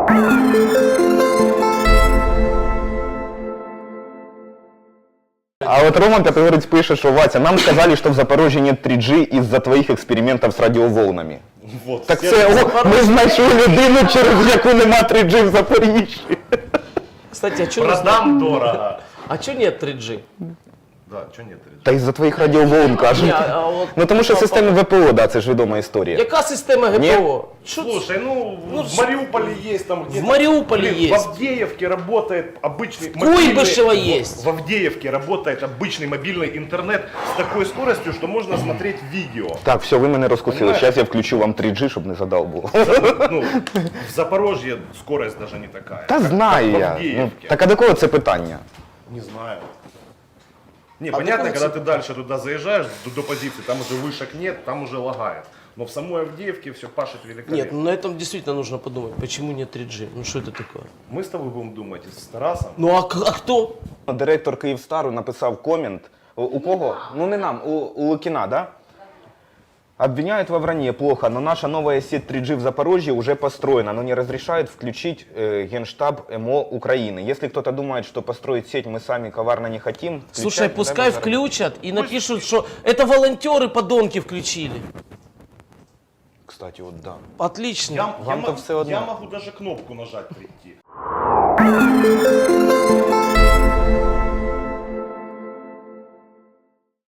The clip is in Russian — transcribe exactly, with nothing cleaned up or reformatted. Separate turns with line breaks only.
А вот Рома Пятигорец пишет, что Вася, нам сказали, что в Запорожье нет три джи из-за твоих экспериментов с радиоволнами.
Вот,
Так
все
це, о, ми знайшли людину, через яку нема три джи в Запоріжжі.
Кстати, а чё, нас-
продам дорого.
а чё нет три джи?
Да, что нет три джи?
Та із-за твоїх радіоволн, кажуть.
Ні, а от-
Ну тому що системи ВПО, да, це ж відома історія.
Яка система
Ні?
ГПО? Що це?
Слушай, ну,
Ну,
в Мариуполе есть там где-то.
В Мариуполе
Блин,
есть.
В Авдеевке работает обычный...
Куйбышево
мобильный-
есть.
В Авдеевке работает обычный мобильный интернет с такой скоростью, что можно смотреть видео.
Так, все, ви мене розкусили.
Понимаешь?
Зараз я включу вам три джи, щоб не задав було.
Ну, в Запорожье скорость даже не такая.
Та
как-
знаю
как в
я. Ну,
Авдеевке.
так а до кого це питання?
Не знаю. Не,
А
понятно,
какой
когда
цвет?
ты дальше туда заезжаешь, до, до позиции, там уже вышек нет, там уже лагает. Но в самой Авдеевке все пашет великолепно.
Нет, ну на этом действительно нужно подумать, почему нет три джи? Ну что это такое?
Мы с тобой будем думать с Тарасом.
Ну а, к- а кто?
Директор Київстару написав комент. У, у кого? Ну не нам, у, у Лукіна, да? Обвиняют во вранье плохо, но наша новая сеть три джи в Запорожье уже построена, но не разрешает включить э, Генштаб МО Украины. Если кто-то думает, что построить сеть мы сами коварно не хотим...
Слушай,
включать,
пускай
да,
включат и напишут, что это волонтеры подонки включили.
Кстати, вот да.
Отлично.
Я, я
Вам-то
мо-
все одно.
я могу даже кнопку нажать прийти.